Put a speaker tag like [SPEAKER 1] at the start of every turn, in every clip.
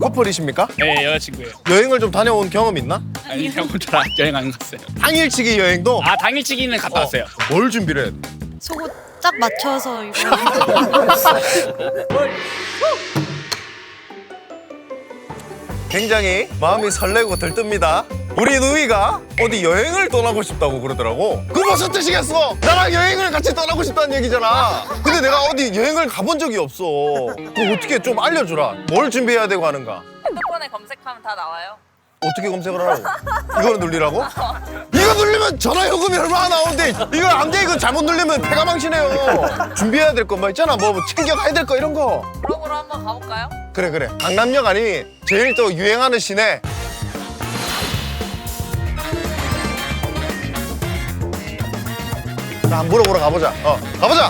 [SPEAKER 1] 커플이십니까?
[SPEAKER 2] 네, 여자친구예요.
[SPEAKER 1] 여행을 좀 다녀온 경험 있나?
[SPEAKER 2] 아니, 형 혼자 여행 안 갔어요.
[SPEAKER 1] 당일치기 여행도?
[SPEAKER 2] 아, 당일치기는 갔다 왔어요.
[SPEAKER 1] 뭘 준비를 해?
[SPEAKER 3] 속옷 딱 맞춰서 이거
[SPEAKER 1] 굉장히 마음이 설레고 들뜹니다. 우리 누이가 어디 여행을 떠나고 싶다고 그러더라고. 그 무슨 뜻이겠어? 나랑 여행을 같이 떠나고 싶다는 얘기잖아. 근데 내가 어디 여행을 가본 적이 없어. 그거 어떻게 좀 알려주라. 뭘 준비해야 되고 하는가?
[SPEAKER 4] 핸드폰에 검색하면 다 나와요.
[SPEAKER 1] 어떻게 검색을 하라고? 이걸 누르라고? 이거 누르면 전화요금이 얼마나 나오는데 이거 안 돼. 이거 잘못 누르면 배가 망신해요. 준비해야 될 거 뭐 있잖아. 뭐 챙겨가야 될 거 이런 거.
[SPEAKER 4] 블로그로 한번 가볼까요?
[SPEAKER 1] 그래. 강남역 아니 제일 또 유행하는 시내. 자, 한번 물어보러 가보자. 가보자.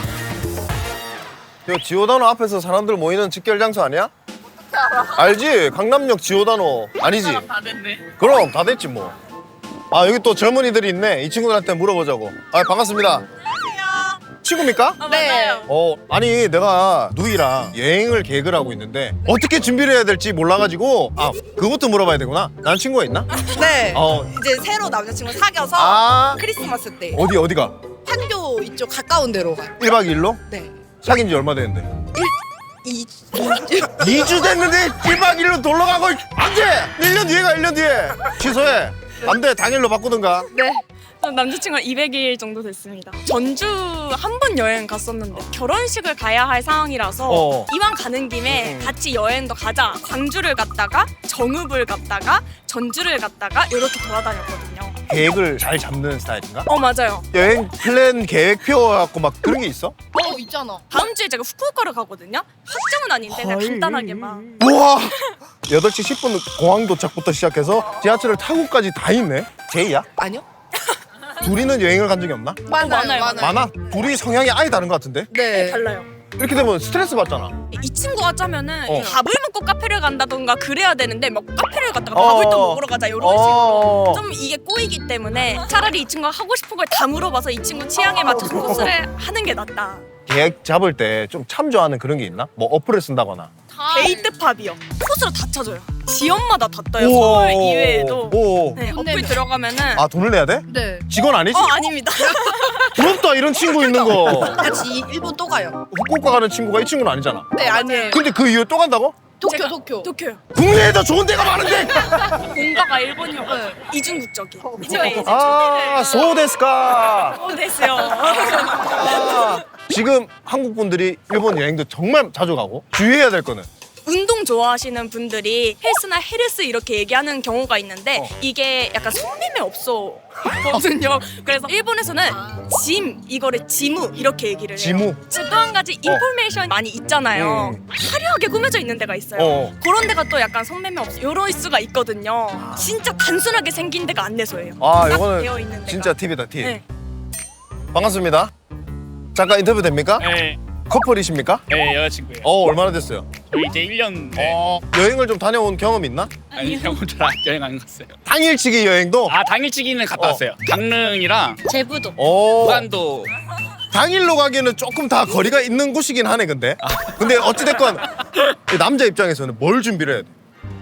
[SPEAKER 1] 이거 지오다노 앞에서 사람들 모이는 직결 장소 아니야?
[SPEAKER 4] 어떻게 알아?
[SPEAKER 1] 알지? 강남역 지오다노 아니지?
[SPEAKER 4] 사람 다 됐네.
[SPEAKER 1] 그럼 다 됐지 뭐. 아, 여기 또 젊은이들이 있네. 이 친구들한테 물어보자고. 아, 반갑습니다.
[SPEAKER 4] 안녕하세요.
[SPEAKER 1] 친구입니까?
[SPEAKER 4] 네.
[SPEAKER 1] 아니 내가 누이랑 여행을 계획을 하고 있는데 어떻게 준비를 해야 될지 몰라가지고 그것도 물어봐야 되구나. 난 친구가 있나?
[SPEAKER 5] 네.
[SPEAKER 1] 어.
[SPEAKER 5] 이제 새로 남자친구 사귀어서
[SPEAKER 1] 아.
[SPEAKER 5] 크리스마스 때
[SPEAKER 1] 어디가?
[SPEAKER 5] 판교 이쪽 가까운 데로 가요.
[SPEAKER 1] 1박 2일로?
[SPEAKER 5] 네.
[SPEAKER 1] 사귄 지 얼마 됐는데?
[SPEAKER 5] 이
[SPEAKER 1] 2주 됐는데 1박 2일로 놀러 가고 안 돼! 1년 뒤에 가 1년 뒤에. 취소해. 안 돼. 당일로 바꾸든가.
[SPEAKER 3] 네. 남자친구랑 200일 정도 됐습니다. 전주 한 번 여행 갔었는데 결혼식을 가야 할 상황이라서 이왕 가는 김에 같이 여행도 가자. 광주를 갔다가 정읍을 갔다가 전주를 갔다가 이렇게 돌아다녔거든요.
[SPEAKER 1] 계획을 잘 잡는 스타일인가?
[SPEAKER 3] 맞아요.
[SPEAKER 1] 여행 플랜 계획표 갖고 막 그런 게 있어?
[SPEAKER 5] 있잖아.
[SPEAKER 3] 다음 주에 제가 후쿠오카를 가거든요. 확정은 아닌데 그냥 간단하게만.
[SPEAKER 1] 우와! 8시 10분 공항 도착부터 시작해서 지하철을 타고까지 다 있네? 제이야?
[SPEAKER 5] 아니요?
[SPEAKER 1] 둘이는 여행을 간 적이 없나?
[SPEAKER 3] 많아요.
[SPEAKER 1] 많아? 둘이 성향이 아예 다른 것 같은데?
[SPEAKER 5] 네.
[SPEAKER 3] 달라요.
[SPEAKER 1] 이렇게 되면 스트레스 받잖아.
[SPEAKER 3] 이 친구가 짜면은
[SPEAKER 1] 어.
[SPEAKER 3] 밥을 먹고 카페를 간다던가 그래야 되는데 막 카페를 갔다가
[SPEAKER 1] 어.
[SPEAKER 3] 밥을 또 먹으러 가자 이런
[SPEAKER 1] 어.
[SPEAKER 3] 식으로 좀 이게 꼬이기 때문에 차라리 이 친구가 하고 싶은 걸 다 물어봐서 이 친구 취향에 맞춰서 코스를 하는 게 낫다.
[SPEAKER 1] 계획 잡을 때 좀 참조하는 그런 게 있나? 뭐 어플을 쓴다거나.
[SPEAKER 3] 데이트팝이요. 코스로 다 찾아요. 지역마다 다 떠요. 서울 이외에도.
[SPEAKER 1] 오.
[SPEAKER 3] 네, 어플 들어가면은
[SPEAKER 1] 아, 돈을 내야 돼?
[SPEAKER 5] 네.
[SPEAKER 1] 직원 아니지?
[SPEAKER 3] 아닙니다.
[SPEAKER 1] 부럽다, 이런 친구 있는 거.
[SPEAKER 5] 같이 일본 또 가요.
[SPEAKER 1] 후쿠오카 가는 친구가 이 친구는 아니잖아.
[SPEAKER 5] 네, 아니에요.
[SPEAKER 1] 근데 그 이후에 또 간다고?
[SPEAKER 5] 도쿄, 도쿄.
[SPEAKER 3] 도쿄요.
[SPEAKER 1] 국내에 더 좋은 데가 많은데!
[SPEAKER 3] 본가가 일본이어가지고 이중국적이. 제가 이제
[SPEAKER 1] 아, 소데스까.
[SPEAKER 3] 됐어요.
[SPEAKER 1] 지금 한국 분들이 일본 여행도 정말 자주 가고 주의해야 될 거는
[SPEAKER 3] 운동 좋아하시는 분들이 헬스나 헤르스 이렇게 얘기하는 경우가 있는데 이게 약간 속림에 없거든요. 그래서 일본에서는 짐 이거를 지무 이렇게 얘기를 해요.
[SPEAKER 1] 지무?
[SPEAKER 3] 또 한 가지 인포메이션 많이 있잖아요. 화려하게 꾸며져 있는 데가 있어요.
[SPEAKER 1] 어.
[SPEAKER 3] 그런 데가 또 약간 속림에 없어 이럴 수가 있거든요. 진짜 단순하게 생긴 데가 안내소예요.
[SPEAKER 1] 아,
[SPEAKER 3] 딱
[SPEAKER 1] 이거는
[SPEAKER 3] 되어 있는 데가.
[SPEAKER 1] 진짜 팁이다, 팁.
[SPEAKER 3] 네.
[SPEAKER 1] 반갑습니다. 잠깐 인터뷰 됩니까?
[SPEAKER 2] 네,
[SPEAKER 1] 커플이십니까?
[SPEAKER 2] 네, 여자친구예요.
[SPEAKER 1] 얼마나 됐어요?
[SPEAKER 2] 저희 이제 1년. 네.
[SPEAKER 1] 여행을 좀 다녀온 경험 있나?
[SPEAKER 2] 아니, 형 혼자 여행 안 갔어요.
[SPEAKER 1] 당일치기 여행도?
[SPEAKER 2] 아, 당일치기는 갔다 왔어요. 강릉이랑
[SPEAKER 3] 제부도.
[SPEAKER 2] 부산도.
[SPEAKER 1] 당일로 가기에는 조금 다 거리가 있는 곳이긴 하네, 근데. 근데 어찌됐건 남자 입장에서는 뭘 준비를 해야 돼?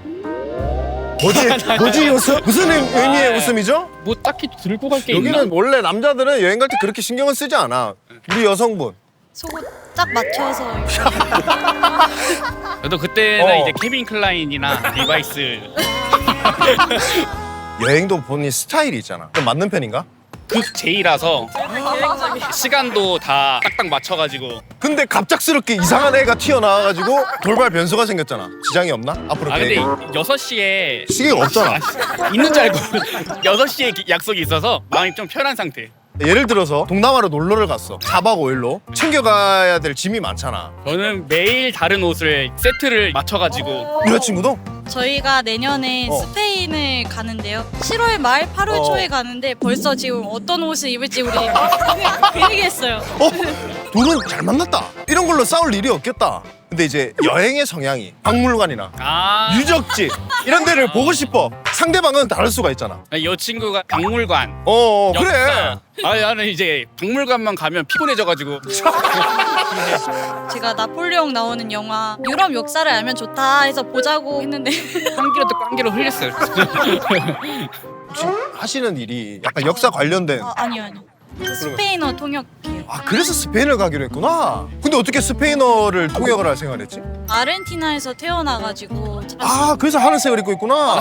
[SPEAKER 1] 뭐지 웃음? 무슨 의미의 웃음이죠?
[SPEAKER 2] 뭐 딱히 들고 갈 게 있나?
[SPEAKER 1] 여기는 원래 남자들은 여행 갈 때 그렇게 신경을 쓰지 않아. 우리 여성분.
[SPEAKER 3] 속옷 딱 맞춰서 이거.
[SPEAKER 2] 저도 그때는
[SPEAKER 1] 어.
[SPEAKER 2] 이제 케빈 클라인이나 리바이스.
[SPEAKER 1] 여행도 본인 스타일이 있잖아. 좀 맞는 편인가?
[SPEAKER 2] 극 J라서 시간도 다 딱딱 맞춰가지고.
[SPEAKER 1] 근데 갑작스럽게 이상한 애가 튀어나와가지고 돌발 변수가 생겼잖아. 지장이 없나? 앞으로
[SPEAKER 2] 아, 근데
[SPEAKER 1] 계획.
[SPEAKER 2] 6시에
[SPEAKER 1] 시계가 없잖아.
[SPEAKER 2] 있는 줄 알고 6시에 약속이 있어서 마음이 좀 편한 상태.
[SPEAKER 1] 예를 들어서 동남아로 놀러를 갔어. 4박 5일로. 챙겨가야 될 짐이 많잖아.
[SPEAKER 2] 저는 매일 다른 옷을 세트를 맞춰가지고.
[SPEAKER 1] 여자친구도?
[SPEAKER 6] 저희가 내년에 스페인을 가는데요. 7월 말 8월 초에 가는데 벌써 지금 어떤 옷을 입을지 우리 그 얘기했어요.
[SPEAKER 1] 둘은 잘 만났다. 이런 걸로 싸울 일이 없겠다. 근데 이제 여행의 성향이 박물관이나
[SPEAKER 2] 아,
[SPEAKER 1] 유적지 이런 데를 보고 싶어. 상대방은 다를 수가 있잖아.
[SPEAKER 2] 이 친구가 박물관.
[SPEAKER 1] 그래.
[SPEAKER 2] 역사. 나는 이제 박물관만 가면 피곤해져가지고.
[SPEAKER 6] 제가 나폴레옹 나오는 영화 유럽 역사를 알면 좋다 해서 보자고 했는데
[SPEAKER 2] 꽝기로 또 꽝기로 흘렸어요.
[SPEAKER 1] 혹시 하시는 일이 약간 역사 관련된.
[SPEAKER 6] 아니요. 스페인어 통역해요.
[SPEAKER 1] 아 그래서 스페인을 가기로 했구나. 근데 어떻게 스페인어를 통역을 할 생각을 했지?
[SPEAKER 6] 아르헨티나에서 태어나가지고
[SPEAKER 1] 아 그래서 하늘색을 입고 있구나.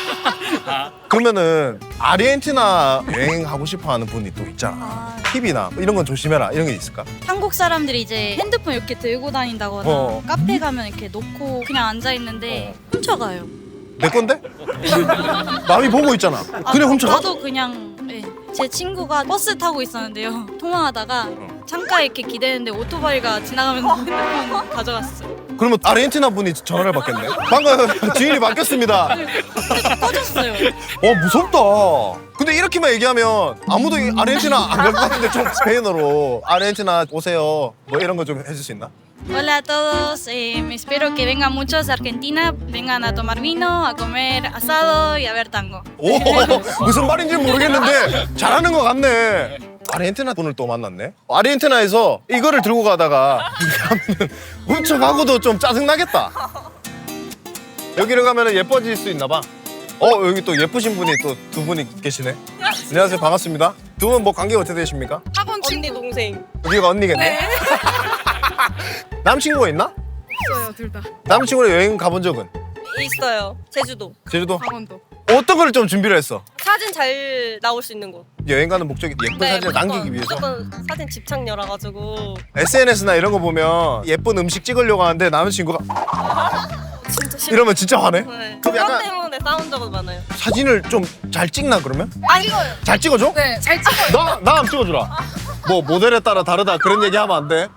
[SPEAKER 1] 그러면은 아르헨티나 여행하고 싶어하는 분이 또 있잖아. 팁이나 뭐 이런 건 조심해라 이런 게 있을까?
[SPEAKER 6] 한국 사람들이 이제 핸드폰 이렇게 들고 다닌다거나 카페 가면 이렇게 놓고 그냥 앉아 있는데 훔쳐가요.
[SPEAKER 1] 내 건데? 남이 보고 있잖아. 그냥 훔쳐가?
[SPEAKER 6] 나도 그냥 제 친구가 버스 타고 있었는데요. 통화하다가 창가에 이렇게 기대는데 오토바이가 지나가면서 핸드폰 가져갔어요.
[SPEAKER 1] 그러면 아르헨티나 분이 전화를 받겠네. 방금 주인이 바뀌었습니다.
[SPEAKER 6] 꺼졌어요.
[SPEAKER 1] 무섭다. 근데 이렇게만 얘기하면 아무도 아르헨티나 안 갈 것 같은데 좀 스페인어로 아르헨티나 오세요. 뭐 이런 거 좀 해줄 수 있나?
[SPEAKER 6] Hola a todos, espero que vengan muchos a Argentina, vengan a tomar vino, a comer asado y a ver tango.
[SPEAKER 1] 오 무슨 말인지 모르겠는데 잘하는 것 같네. 아르헨티나 분을 또 만났네. 아르헨티나에서 이거를 들고 가다가 훔쳐가고도 좀 짜증나겠다. 여기를 가면 예뻐질 수 있나 봐. 여기 또 예쁘신 분이 또 두 분이 계시네. 안녕하세요, 반갑습니다. 두 분 뭐 관계가 어떻게 되십니까?
[SPEAKER 3] 학원 언니 동생.
[SPEAKER 1] 여기가 언니겠네. 남친구가 있나?
[SPEAKER 3] 있어요 둘 다.
[SPEAKER 1] 남친구랑 여행 가본 적은?
[SPEAKER 7] 있어요. 제주도,
[SPEAKER 1] 제주도?
[SPEAKER 3] 강원도.
[SPEAKER 1] 어떤 걸 좀 준비를 했어?
[SPEAKER 7] 사진 잘 나올 수 있는 곳.
[SPEAKER 1] 여행 가는 목적이 예쁜 사진을 남기기 위해서?
[SPEAKER 7] 무조건 사진 집착녀라 가지고.
[SPEAKER 1] SNS나 이런 거 보면 예쁜 음식 찍으려고 하는데 남자친구가
[SPEAKER 7] 진짜 싫어.
[SPEAKER 1] 이러면 진짜 화내?
[SPEAKER 7] 네.
[SPEAKER 1] 그럼
[SPEAKER 7] 그것
[SPEAKER 1] 약간
[SPEAKER 7] 때문에 싸운 적은 많아요.
[SPEAKER 1] 사진을 좀 잘 찍나 그러면?
[SPEAKER 7] 안 찍어요.
[SPEAKER 1] 잘 찍어줘?
[SPEAKER 3] 네, 잘 찍어요.
[SPEAKER 1] 나 한번 찍어주라. 뭐 모델에 따라 다르다 그런 얘기 하면 안 돼.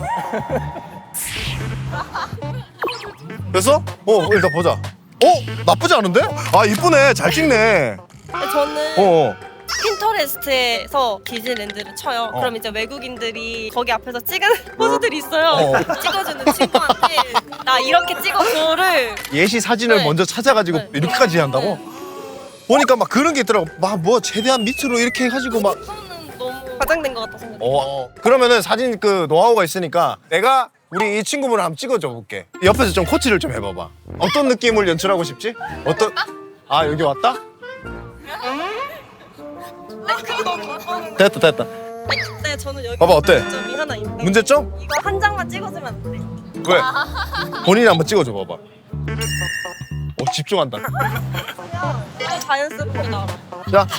[SPEAKER 1] 그래서? 일단 보자. 나쁘지 않은데? 아 이쁘네. 잘 찍네.
[SPEAKER 7] 근데 저는
[SPEAKER 1] 어.
[SPEAKER 7] 핀터레스트에서 디즈니랜드를 쳐요. 그럼 이제 외국인들이 거기 앞에서 찍은 포즈들이 있어요. 찍어주는 친구한테 나 이렇게 찍어줘를.
[SPEAKER 1] 예시 사진을
[SPEAKER 7] 네.
[SPEAKER 1] 먼저 찾아가지고
[SPEAKER 7] 네.
[SPEAKER 1] 이렇게까지 한다고? 보니까 막 그런 게 있더라고. 막 뭐 최대한 밑으로 이렇게 해가지고 막.
[SPEAKER 7] 저는 너무 과장된 것 같다 생각해요.
[SPEAKER 1] 그러면은 사진 그 노하우가 있으니까 내가 우리 이 친구분을 한번 찍어줘 볼게. 옆에서 좀 코치를 좀 해봐봐. 어떤 느낌을 연출하고 싶지? 여기 왔다? 됐다.
[SPEAKER 7] 근데 저는 여기
[SPEAKER 1] 봐봐, 어때?
[SPEAKER 7] 문제점이 하나 있는데.
[SPEAKER 1] 문제점?
[SPEAKER 7] 이거 한 장만 찍어주면 안 돼.
[SPEAKER 1] 왜? 본인이 한번 찍어줘 봐봐. 집중한다.
[SPEAKER 7] 이거 자연스럽게 나와.
[SPEAKER 1] 자,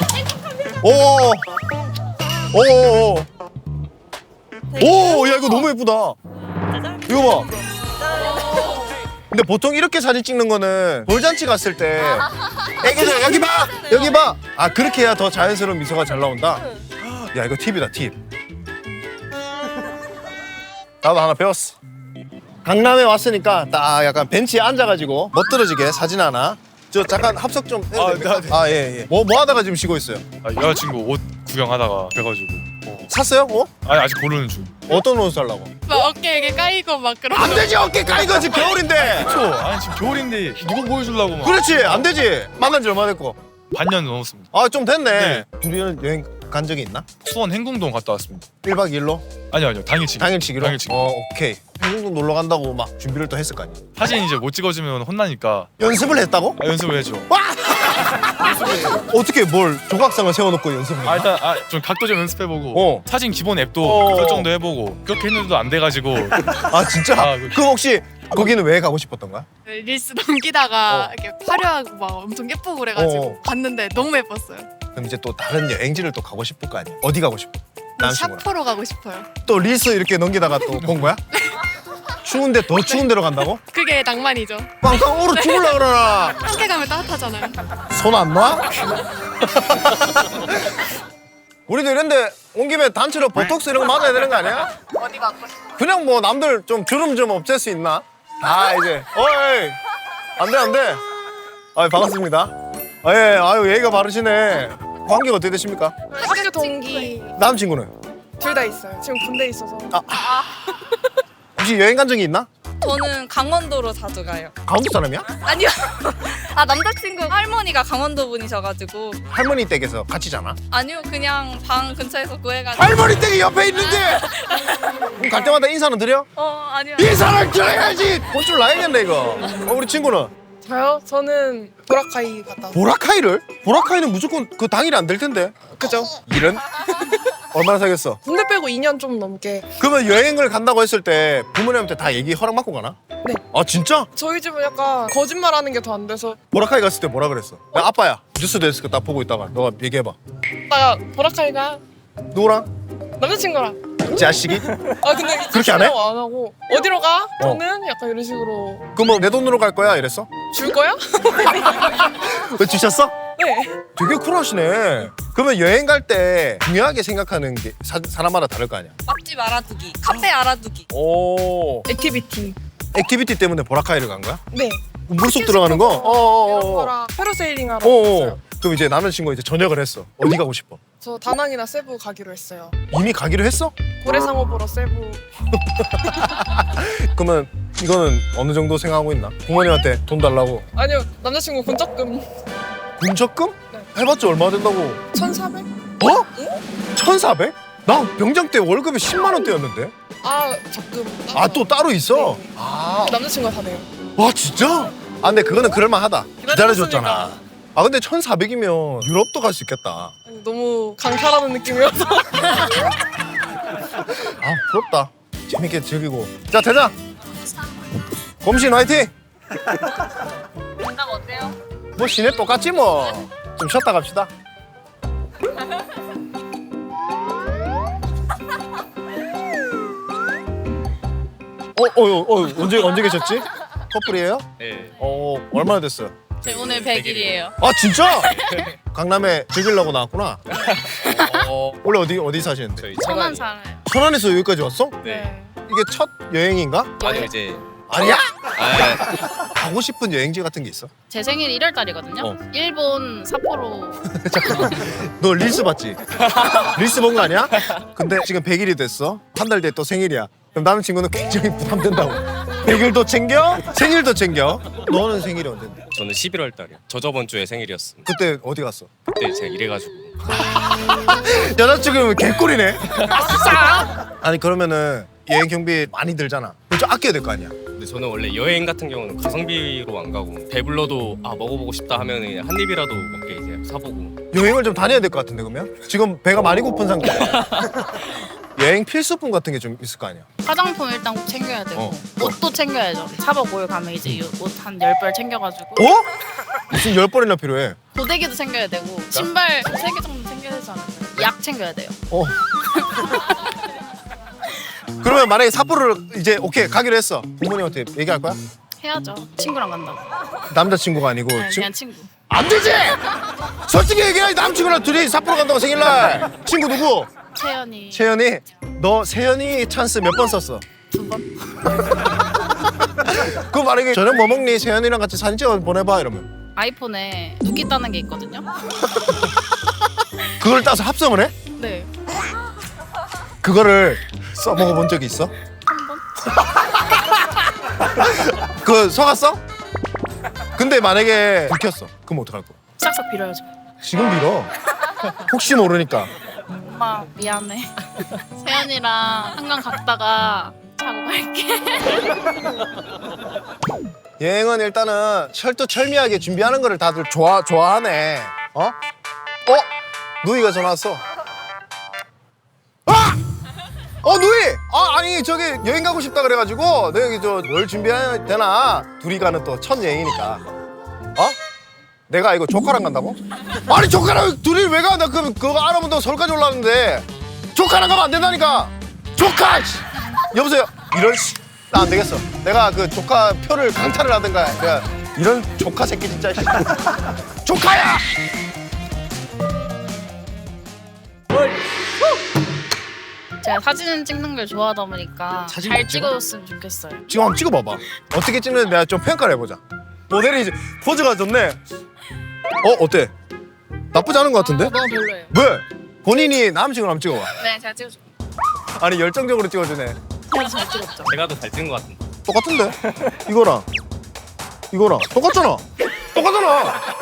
[SPEAKER 1] 야 이거 너무 예쁘다.
[SPEAKER 7] 짜잔.
[SPEAKER 1] 이거 봐. 근데 보통 이렇게 사진 찍는 거는 돌잔치 갔을 때 애기들 여기 봐. 아 그렇게 해야 더 자연스러운 미소가 잘 나온다. 야 이거 팁이다 팁. 나도 하나 배웠어. 강남에 왔으니까 딱 약간 벤치에 앉아가지고 멋들어지게 사진 하나. 저 잠깐 합석 좀 해도 됩니까?
[SPEAKER 8] 네.
[SPEAKER 1] 예. 뭐 하다가 지금 쉬고 있어요?
[SPEAKER 8] 여자친구 옷 구경하다가 그래가지고
[SPEAKER 1] 샀어요?
[SPEAKER 8] 아니 아직 고르는 중.
[SPEAKER 1] 어떤 옷 살라고?
[SPEAKER 3] 막 어깨에 이렇게 까이고 막 그런.
[SPEAKER 1] 안 되지 어깨 까이거 지금 겨울인데.
[SPEAKER 8] 그렇죠. 아니 지금 겨울인데 누구 보여주려고 막.
[SPEAKER 1] 그렇지 안 되지. 만난 지 얼마 됐고?
[SPEAKER 8] 반년 넘었습니다.
[SPEAKER 1] 아 좀 됐네.
[SPEAKER 8] 네.
[SPEAKER 1] 둘이는 여행 간 적이 있나?
[SPEAKER 8] 수원 행궁동 갔다 왔습니다.
[SPEAKER 1] 1박 2일로?
[SPEAKER 8] 아니요 당일치기.
[SPEAKER 1] 당일치기로?
[SPEAKER 8] 당일치기.
[SPEAKER 1] 오케이. 행궁동 놀러 간다고 막 준비를 또 했을 거 아니야.
[SPEAKER 8] 사진 이제 못 찍어주면 혼나니까
[SPEAKER 1] 연습을 했다고?
[SPEAKER 8] 연습을 해줘.
[SPEAKER 1] 어떻게 뭘 조각상을 세워놓고 연습을 해?
[SPEAKER 8] 일단 좀 각도 좀 연습해보고 사진 기본 앱도 설정도 해보고 그렇게 했는데도 안 돼가지고.
[SPEAKER 1] 아 진짜?
[SPEAKER 8] 그-
[SPEAKER 1] 그럼 혹시 거기는 왜 가고 싶었던 거야?
[SPEAKER 3] 릴스 넘기다가 이렇게 화려하고 막 엄청 예쁘고 그래가지고 갔는데 너무 예뻤어요.
[SPEAKER 1] 그럼 이제 또 다른 여행지를 또 가고 싶을 거 아니야? 어디 가고 싶어? 남친구랑.
[SPEAKER 3] 샤프로 가고 싶어요.
[SPEAKER 1] 또 릴스 이렇게 넘기다가 또 본 거야? 추운데 더 추운 데로 간다고?
[SPEAKER 3] 그게 낭만이죠.
[SPEAKER 1] 빵빵 얼어 죽을라 그러나.
[SPEAKER 3] 함께 가면 따뜻하잖아요.
[SPEAKER 1] 손 안 놔? 우리도 이런데 온 김에 단체로 보톡스 이런 거 맞아야 되는 거 아니야?
[SPEAKER 3] 어디 가고 싶어요?
[SPEAKER 1] 그냥 뭐 남들 좀 주름 좀 없앨 수 있나? 이제 어이 안 돼. 반갑습니다. 아유 예의가 바르시네. 관계가 어떻게 되십니까?
[SPEAKER 3] 학교 동기
[SPEAKER 1] 남친구는?
[SPEAKER 3] 둘 다 있어요. 지금 군대에 있어서.
[SPEAKER 1] 혹시 여행 간 적이 있나?
[SPEAKER 6] 저는 강원도로 자주 가요.
[SPEAKER 1] 강원도 사람이야?
[SPEAKER 6] 아니요. 아 남자친구 할머니가 강원도 분이셔가지고.
[SPEAKER 1] 할머니 댁에서 같이 자나?
[SPEAKER 6] 아니요, 그냥 방 근처에서 구해가지고.
[SPEAKER 1] 할머니 댁이 옆에 있는데 그럼 갈 때마다 인사는 드려?
[SPEAKER 6] 아니요.
[SPEAKER 1] 인사를 드려야지. 혼쭐 나야겠네 이거. 우리 친구는?
[SPEAKER 9] 저요? 저는 보라카이 갔다 왔어요.
[SPEAKER 1] 보라카이를? 보라카이는 무조건 그 당일이 안 될 텐데.
[SPEAKER 9] 그죠?
[SPEAKER 1] 이런? 얼마나 사겠어?
[SPEAKER 9] 군대 빼고 2년 좀 넘게.
[SPEAKER 1] 그러면 여행을 간다고 했을 때 부모님한테 다 얘기 허락 받고 가나?
[SPEAKER 9] 네.
[SPEAKER 1] 아 진짜?
[SPEAKER 9] 저희 집은 약간 거짓말하는 게 더 안 돼서
[SPEAKER 1] 보라카이 갔을 때 뭐라 그랬어? 야, 아빠야 뉴스 데스크 딱 보고 있다가 너가 얘기해봐.
[SPEAKER 9] 나 보라카이가
[SPEAKER 1] 누구랑?
[SPEAKER 9] 남자친구랑.
[SPEAKER 1] 자식이?
[SPEAKER 9] 아 근데
[SPEAKER 1] 그렇게 안 해?
[SPEAKER 9] 안 하고 어디로 가? 저는 약간 이런 식으로
[SPEAKER 1] 그럼 내 돈으로 갈 거야 이랬어?
[SPEAKER 9] 줄 거야?
[SPEAKER 1] 왜 주셨어?
[SPEAKER 9] 네.
[SPEAKER 1] 되게 쿨하시네. 그러면 여행 갈 때 중요하게 생각하는 게 사람마다 다를 거 아니야?
[SPEAKER 6] 맛집 알아두기, 카페 알아두기.
[SPEAKER 1] 오.
[SPEAKER 9] 액티비티.
[SPEAKER 1] 액티비티 때문에 보라카이를 간 거야?
[SPEAKER 9] 네.
[SPEAKER 1] 물속 들어가는 거?
[SPEAKER 9] 이런
[SPEAKER 1] 어어어.
[SPEAKER 9] 거랑 패러세일링 하러
[SPEAKER 1] 어어.
[SPEAKER 9] 갔어요.
[SPEAKER 1] 그럼 이제 남자친구가 이제 저녁을 했어. 어디 가고 싶어?
[SPEAKER 9] 저 다낭이나 세부 가기로 했어요.
[SPEAKER 1] 이미 가기로 했어?
[SPEAKER 9] 고래상어 보러 세부.
[SPEAKER 1] 그러면 이거는 어느 정도 생각하고 있나? 부모님한테 돈 달라고.
[SPEAKER 9] 아니요 남자친구 군적금
[SPEAKER 1] 군적금?
[SPEAKER 9] 네.
[SPEAKER 1] 해봤자 얼마 된다고?
[SPEAKER 9] 1,400?
[SPEAKER 1] 어? 1,400? 나 병장 때 월급이 10만 원대였는데?
[SPEAKER 9] 아 적금.
[SPEAKER 1] 아 또 따로 있어?
[SPEAKER 9] 네.
[SPEAKER 1] 아,
[SPEAKER 9] 남자친구가 다 내요.
[SPEAKER 1] 와 진짜? 아 근데 그거는 그럴만하다. 기다려줬잖아. 아 근데 1,400이면 유럽도 갈 수 있겠다.
[SPEAKER 9] 아니, 너무 강탈하는 느낌이어서.
[SPEAKER 1] 아 부럽다. 재밌게 즐기고. 자 대장. 검신 화이팅.
[SPEAKER 4] 건강 어때요?
[SPEAKER 1] 뭐 시내 똑같지 뭐. 좀 쉬었다 갑시다. 언제 계셨지? 커플이에요?
[SPEAKER 2] 네.
[SPEAKER 1] 얼마나 됐어요?
[SPEAKER 6] 저 오늘 100일이에요.
[SPEAKER 1] 아 진짜? 강남에 즐기려고 나왔구나. 원래 어디 사시는데?
[SPEAKER 2] 저희
[SPEAKER 6] 천안
[SPEAKER 2] 천안이.
[SPEAKER 6] 살아요.
[SPEAKER 1] 천안에서 여기까지 왔어?
[SPEAKER 2] 네.
[SPEAKER 1] 이게 첫 여행인가?
[SPEAKER 2] 아니요 이제
[SPEAKER 1] 아니야?
[SPEAKER 2] 아,
[SPEAKER 1] 가고 싶은 여행지 같은 게 있어?
[SPEAKER 6] 제 생일 1월 달이거든요.
[SPEAKER 1] 어.
[SPEAKER 6] 일본 삿포로.
[SPEAKER 1] 너 릴스 봤지? 릴스 본 거 아니야? 근데 지금 100일이 됐어. 한 달 뒤에 또 생일이야. 그럼 남자친구는 굉장히 부담된다고. 100일도 챙겨? 생일도 챙겨? 너는 생일이 언젠데?
[SPEAKER 10] 저는 11월 달이요. 저번 주에 생일이었습니다.
[SPEAKER 1] 그때 어디 갔어?
[SPEAKER 10] 그때 제가 이래가지고
[SPEAKER 1] 여자친구면 개꿀이네. 아니 그러면은 여행 경비 많이 들잖아. 좀 아껴야 될 거 아니야?
[SPEAKER 10] 근데 저는 원래 여행 같은 경우는 가성비로 안 가고 배불러도 아 먹어보고 싶다 하면 한 입이라도 먹게 이제 사보고.
[SPEAKER 1] 여행을 좀 다녀야 될 것 같은데 그러면? 지금 배가 많이 고픈 상태야. 여행 필수품 같은 게 좀 있을 거 아니야?
[SPEAKER 6] 화장품 일단 꼭 챙겨야 되고
[SPEAKER 1] 어.
[SPEAKER 6] 옷도 챙겨야죠. 4박 5일 가면 이제 옷 한 10벌 챙겨가지고
[SPEAKER 1] 어? 무슨 10번이나 필요해?
[SPEAKER 6] 고데기도 챙겨야 되고 신발 3개 정도 챙겨야 되지 않을까요? 약 챙겨야 돼요.
[SPEAKER 1] 어. 그러면 만약에 삿포로를 이제 오케이 가기로 했어. 부모님한테 얘기할 거야?
[SPEAKER 6] 해야죠. 친구랑 간다고.
[SPEAKER 1] 남자친구가 아니고
[SPEAKER 6] 네, 그냥 친구.
[SPEAKER 1] 안 되지! 솔직히 얘기해. 남친구랑 둘이 삿포로 간다고 생일날. 친구 누구?
[SPEAKER 6] 채연이
[SPEAKER 1] 채연이. 너 세연이 찬스 몇 번 썼어?
[SPEAKER 6] 2번.
[SPEAKER 1] 그 만약에 저녁 뭐 먹니? 세연이랑 같이 사진 찍어 보내봐 이러면
[SPEAKER 6] 아이폰에 눕기 따는 게 있거든요.
[SPEAKER 1] 그걸 따서 합성을 해?
[SPEAKER 6] 네.
[SPEAKER 1] 그거를 써먹어 본 적이 있어? 그 속았어? 근데 만약에 들켰어. 그럼 어떡할 거야?
[SPEAKER 6] 싹싹 빌어야죠.
[SPEAKER 1] 지금 빌어. 혹시 모르니까.
[SPEAKER 6] 엄마 미안해. 세연이랑 한강 갔다가 자고 갈게.
[SPEAKER 1] 여행은 일단은 철두철미하게 준비하는 거를 다들 좋아하네. 어? 누이가 전화 왔어. 아! 누이! 아니 저기 여행 가고 싶다 그래가지고 너 여기 뭘 준비해야 되나? 둘이 가는 또 첫 여행이니까. 내가 이거 조카랑 간다고? 아니 조카랑 둘이 왜 가? 나 그거 알아본다고 서울까지 올라왔는데 조카랑 가면 안 된다니까. 조카! 씨. 여보세요. 나 안 되겠어. 내가 그 조카 표를 강탈을 하든가. 내가 이런 조카 새끼 진짜. 조카야!
[SPEAKER 6] 제가 사진 찍는 걸 좋아하다 보니까
[SPEAKER 1] 사진
[SPEAKER 6] 잘
[SPEAKER 1] 찍어?
[SPEAKER 6] 찍어줬으면 좋겠어요.
[SPEAKER 1] 지금 한번 찍어봐봐. 어떻게 찍는지 내가 좀 평가를 해보자. 모델이 이제 포즈가 좋네. 어때? 나쁘지 않은 것 같은데?
[SPEAKER 6] 너무 별로예요.
[SPEAKER 1] 왜? 본인이 남친을 한번 찍어봐.
[SPEAKER 6] 네, 제가 찍어줄게요.
[SPEAKER 1] 아니 열정적으로 찍어주네.
[SPEAKER 6] 제가 잘 찍었죠.
[SPEAKER 10] 제가 더 잘 찍은 것 같은데.
[SPEAKER 1] 똑같은데? 이거랑 이거랑 똑같잖아. 똑같잖아.